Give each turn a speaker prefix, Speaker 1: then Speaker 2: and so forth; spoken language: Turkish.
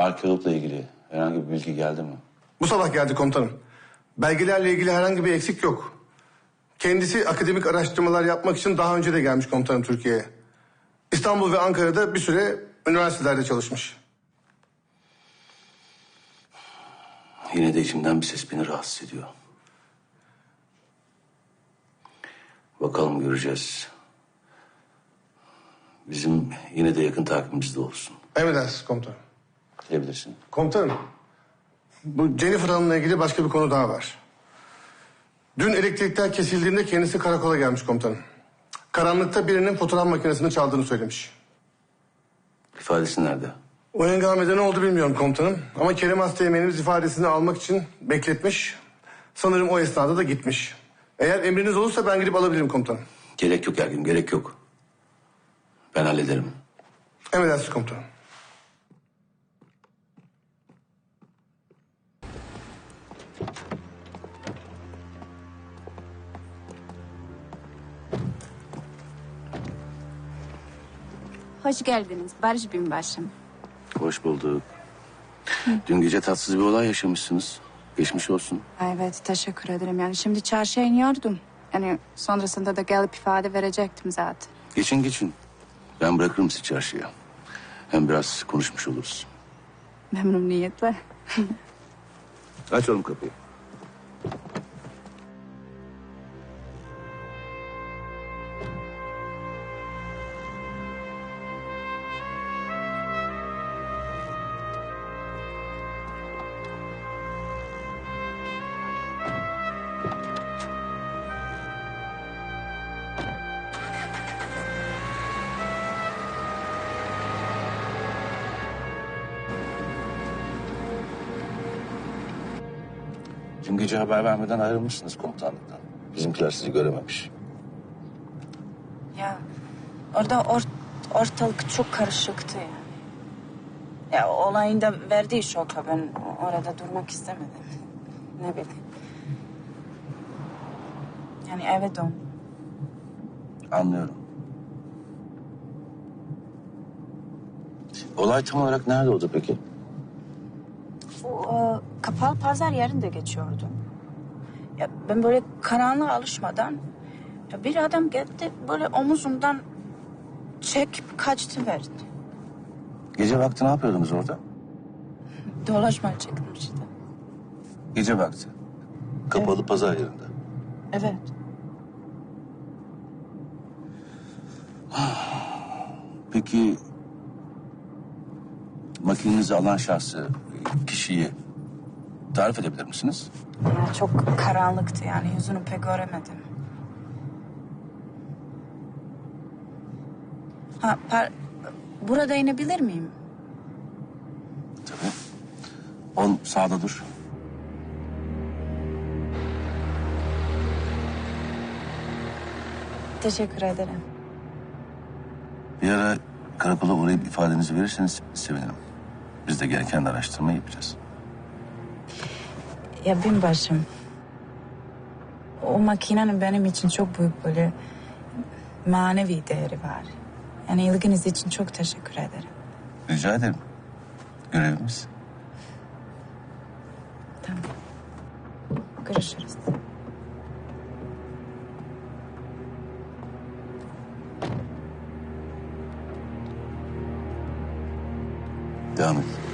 Speaker 1: Arkeologla ilgili herhangi bir bilgi geldi mi?
Speaker 2: Bu sabah geldi komutanım. Belgelerle ilgili herhangi bir eksik yok. Kendisi akademik araştırmalar yapmak için daha önce de gelmiş komutanım Türkiye'ye. İstanbul ve Ankara'da bir süre üniversitelerde çalışmış.
Speaker 1: Yine de içimden bir ses beni rahatsız ediyor. Bakalım, göreceğiz. Bizim yine de yakın takibimizde olsun.
Speaker 2: Emredersiniz komutanım.
Speaker 1: Diyebilirsin.
Speaker 2: Komutanım, bu Jennifer Hanım'la ilgili başka bir konu daha var. Dün elektrikler kesildiğinde kendisi karakola gelmiş komutanım. Karanlıkta birinin fotoğraf makinesini çaldığını söylemiş.
Speaker 1: İfadesi nerede?
Speaker 2: O hengamede ne oldu bilmiyorum komutanım. Ama Kerim Asteğmen'imiz ifadesini almak için bekletmiş. Sanırım o esnada da gitmiş. Eğer emriniz olursa ben gidip alabilirim komutanım.
Speaker 1: Gerek yok Ergin, gerek yok. Ben hallederim.
Speaker 2: Emredersiniz komutanım.
Speaker 3: Hoş geldiniz Barış Binbaşım.
Speaker 1: Hoş bulduk. Dün gece tatsız bir olay yaşamışsınız. Geçmiş olsun.
Speaker 3: Evet, teşekkür ederim. Yani şimdi çarşıya iniyordum. Yani sonrasında da gelip ifade verecektim zaten.
Speaker 1: Geçin geçin. Ben bırakırım sizi çarşıya. Hem biraz konuşmuş oluruz.
Speaker 3: Memnuniyetle.
Speaker 1: Aç oğlum kapıyı. Dün gece haber vermeden ayrılmışsınız komutanlıktan. Bizimkiler sizi görememiş.
Speaker 3: Ya orada ortalık çok karışıktı yani. Ya olayın da verdiği şoka ben orada durmak istemedim. Ne bileyim. Yani eve dön.
Speaker 1: Anlıyorum. Olay tam olarak nerede oldu peki?
Speaker 3: O kapalı pazar yerinde geçiyordu. Ya ben böyle karanlığa alışmadan ya bir adam geldi böyle omuzumdan çekip kaçtı verdi.
Speaker 1: Gece vakti ne yapıyordunuz orada?
Speaker 3: Dolaşmaya çıktım işte.
Speaker 1: Gece vakti. Kapalı pazar yerinde.
Speaker 3: Evet.
Speaker 1: Peki makinenizi alan şahsı, kişiyi tarif edebilir misiniz?
Speaker 3: Ya çok karanlıktı yani yüzünü pek göremedim. Burada inebilir miyim?
Speaker 1: Tabii. 10 sağda dur.
Speaker 3: Teşekkür ederim.
Speaker 1: Bir ara karakola uğrayıp ifadenizi verirseniz sevinirim. Biz de gereken araştırmayı yapacağız.
Speaker 3: Ya binbaşım. O makinenin benim için çok büyük böyle manevi değeri var. Yani ilginiz için çok teşekkür ederim.
Speaker 1: Rica ederim. Görevimiz.
Speaker 3: Tamam. Görüşürüz.
Speaker 1: Devam et.